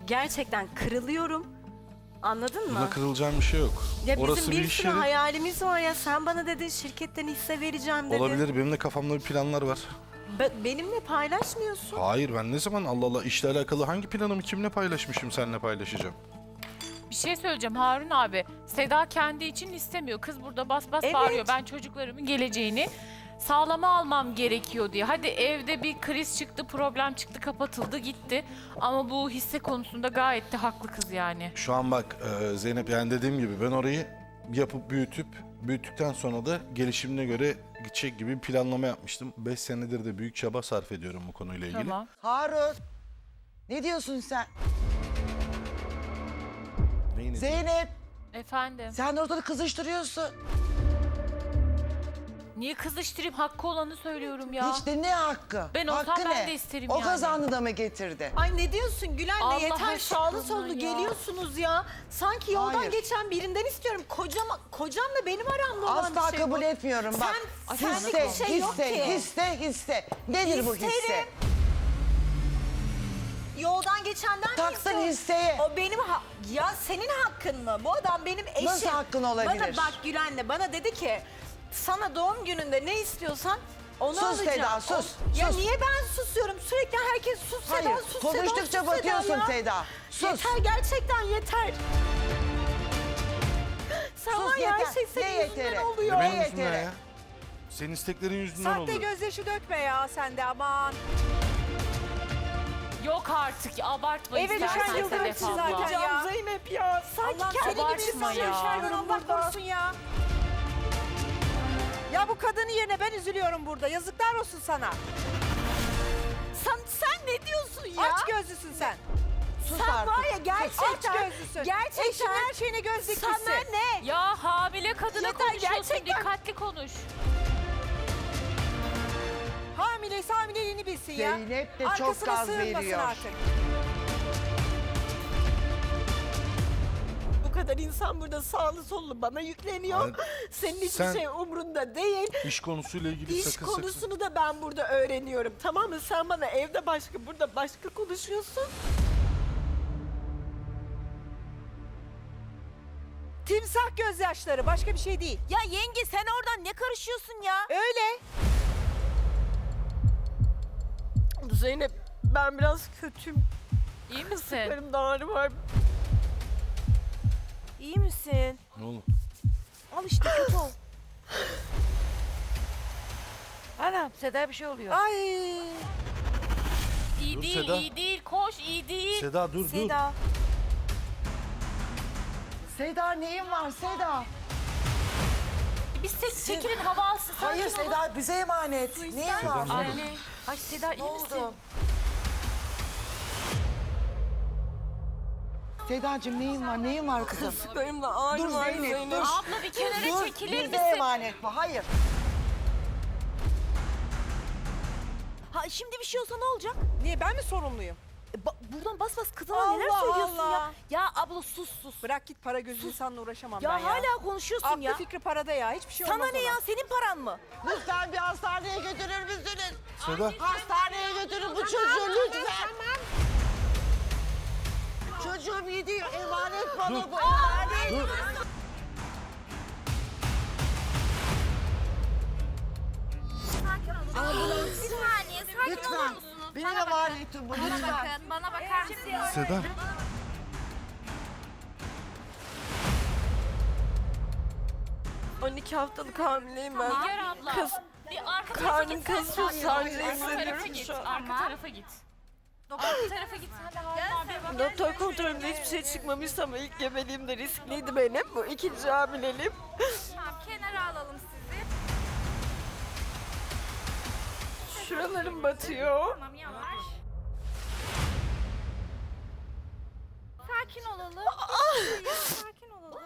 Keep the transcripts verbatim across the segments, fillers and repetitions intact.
gerçekten kırılıyorum. Anladın mı? Buna kırılacağım bir şey yok. Ya bizim Orası bir bir iş sürü yeri. hayalimiz var ya. Sen bana dedin şirketten hisse vereceğim dedin. Olabilir. Benim de kafamda bir planlar var. Be- benimle paylaşmıyorsun. Hayır, ben ne zaman Allah Allah işle alakalı hangi planımı kimle paylaşmışım, seninle paylaşacağım? Bir şey söyleyeceğim Harun abi. Seda kendi için istemiyor. Kız burada bas bas Evet. bağırıyor. Ben çocuklarımın geleceğini sağlama almam gerekiyor diye. Hadi evde bir kriz çıktı, problem çıktı, kapatıldı, gitti. Ama bu hisse konusunda gayet de haklı kız yani. Şu an bak e, Zeynep, yani dediğim gibi ben orayı yapıp büyütüp büyüttükten sonra da gelişimine göre gidecek gibi bir planlama yapmıştım. Beş senedir de büyük çaba sarf ediyorum bu konuyla ilgili. Tamam. Harun. Ne diyorsun sen? Neyini- Zeynep. Efendim. Sen de ortada kızıştırıyorsun. Niye kızıştırayım? Hakkı olanı söylüyorum ya. Hiç de ne hakkı? Ben olsam hakkı ben ne? de isterim o yani. kazandı da mı getirdi? Ay ne diyorsun Gülen'le Allah yeter aşkına sağlı sollu ya. geliyorsunuz ya. Sanki yoldan Hayır. geçen birinden istiyorum. Kocam, kocamla benim aramda olan Asla bir şey kabul bu. etmiyorum bak. Sen, hisse, senlik bir şey yok hisse, ki. hisse, hisse. Nedir bu hisse? İsterim. Yoldan geçenden mi Taksın istiyorsun? hisseye. O benim ha- ya senin hakkın mı? Bu adam benim eşim. Nasıl hakkın olabilir? Bana bak Gülen'le bana dedi ki sana doğum gününde ne istiyorsan onu Sus alacağım. Seda, sus, O- Ya sus. niye ben susuyorum? Sürekli herkes sus Seda, Hayır, sus Seda, konuştukça sus batıyorsun Seda ya. Seda. Sus. Yeter gerçekten yeter. Sen Sus var ya her yeter. şey Ne senin yüzünden yeteri? oluyor. Benim Ne yüzümden yeteri? ya. Senin isteklerin yüzünden Sahte oldu. gözyaşı dökme ya sen de aman. Yok artık abartma Eve istersen düşen yıldırım Sedef abla. zaten ya. Can Zeynep ya. Sanki Allah kendi gibi abartma ya. yaşıyorum Allah korusun ya. Ya bu kadının yerine ben üzülüyorum burada. Yazıklar olsun sana. Sen, sen ne diyorsun ya? Aç gözlüsün sen. Sus Sen artık. var ya gerçekten. Aç gözlüsün. Gerçekten. Eşin her şeyine göz dikmişsin. Sana ne? Ya hamile kadına Yeter, konuşuyorsun. gerçekten. Dikkatli konuş. Hamileyse hamileliğini bilsin ya. Zeynep de çok Arkasına gaz sığınmasın veriyor. artık. Bu kadar insan burada sağlı sollu bana yükleniyor. Hayır, Senin hiçbir sen- şey umrunda değil. İş konusuyla ilgili İş sakın sakın. konusunu da ben burada öğreniyorum. Tamam mı? Sen bana evde başka, burada başka konuşuyorsun. Timsah gözyaşları başka bir şey değil. Ya yenge sen oradan ne karışıyorsun ya? Öyle. Zeynep ben biraz kötüyüm. İyi misin? Kasıklarımda ağrı var. İyi misin? Ne olur. Al işte kötü ol. Anam Seda bir şey oluyor. Ay. İyi Dur değil, Seda. iyi değil. Koş, iyi değil. Seda dur dur. Seda. Seda neyin var Seda? Biz tek çekilin hava alsın. Sakin Hayır olun. Seda bize emanet. Neyin var? Seda, Anne. Ay Seda iyi Ne misin? oldu? Sedacığım neyin var? Neyin var kızım? Kasıklarımda ağrı Dur var Zeynep, Zeynep. dur. Abla bir kenara Dur, çekilir bize misin? emanet bu. Hayır. Ha şimdi bir şey olsa ne olacak? Niye ben mi sorumluyum? E, ba- buradan bas bas kızına Allah neler söylüyorsun Allah. ya? Ya abla sus sus. Bırak git para gözü insanla uğraşamam Ya ben ya. hala konuşuyorsun Aklı ya. fikri parada ya. Hiçbir şey Sana olmaz ne ona. ya? Senin paran mı? Lütfen bir hastaneye götürür müsünüz? Seda. Hastaneye götürün bu çocuğu lütfen. Çocuğum iyi değil. Emanet bana bu. Emanet. Dur. Ambulans. Bir saniye, sakin olur Lütfen. musunuz? Benim Bana bakın. emanetim bu. Bana Lütfen. bakın, bana bakar mısınız? Seda. on iki haftalık hamileyim ben. Nigar abla. Kız Bir arka tarafa karnım git. sen. kasıyor, Arka sancı tarafa hissediyorum git. şu an. Arka tarafa git. Arka tarafa git. Sen de Harun abiye bak. Doktor kontrolünde hiçbir şey çıkmamış ama ilk gebeliğim de riskliydi benim. Bu ikinci hamileliğim. Tamam, kenara alalım sizi. Şuralarım batıyor. Tamam, yavaş. Sakin olalım. Sakin olalım.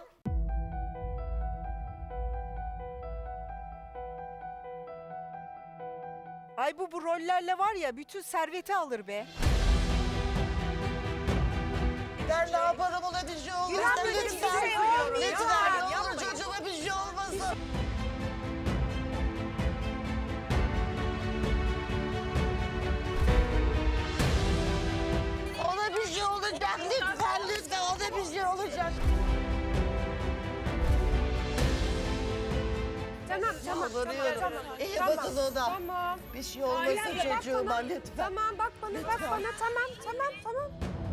Ay bu bu rollerle var ya bütün serveti alır be. Ben ne yaparım ona bir şey olmasın. Gülen böyle bir Lütfen. şey olmuyor. Lütfen. Ya, Ne olur yapmayın. çocuğuma bir şey olmasın. Ona bir şey olacak lütfen. bir şey olacak. Tamam tamam. Yalvarıyorum. Tamam. İyi Tamam. bakın ona. Tamam. Bir şey olmasın Hayır, bak çocuğuma bana. lütfen. Tamam bak bana bak bana tamam tamam tamam.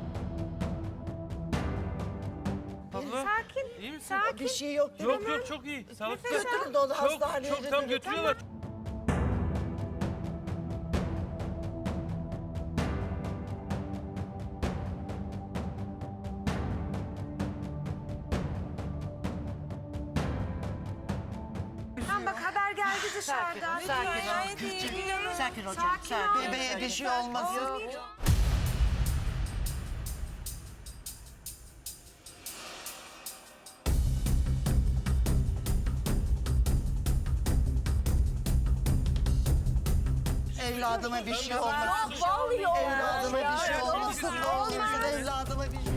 Abla Sakin. iyi misin? Sakin. Bir şey yok değil Yok mi? yok çok iyi. Sağlıklı. Götürün de onu Çok hastaneye çok tam götürün. götürüyorlar. Tamam bak haber geldi dışarıdan. Sakin hocam. Sakin. Bebeğe bir şey olmasın. Evladıma bir şey olmasın. Evladıma bir şey olmasın. Ne olursun evladıma bir şey.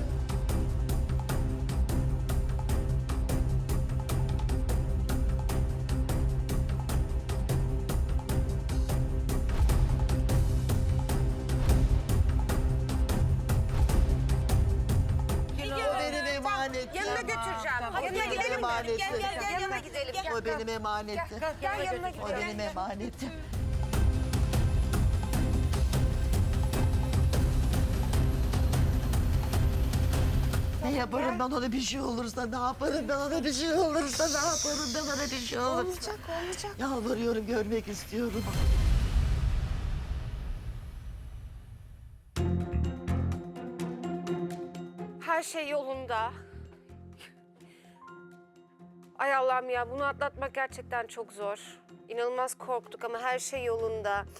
O benim emanetim. Yanına götüreceğim. O Yanına benim gidelim. emanetim. Gel gel gel yanına gidelim. Gel. O benim emanetim. Gel yanına O gidelim. benim emanetim. Ne yaparım ben ona bir şey olursa, ne yaparım ben ona bir şey olursa, ne yaparım ben ona bir şey olursa. Olacak olacak. Yalvarıyorum, görmek istiyorum. Her şey yolunda. Ay Allah'ım ya bunu atlatmak gerçekten çok zor. İnanılmaz korktuk ama her şey yolunda.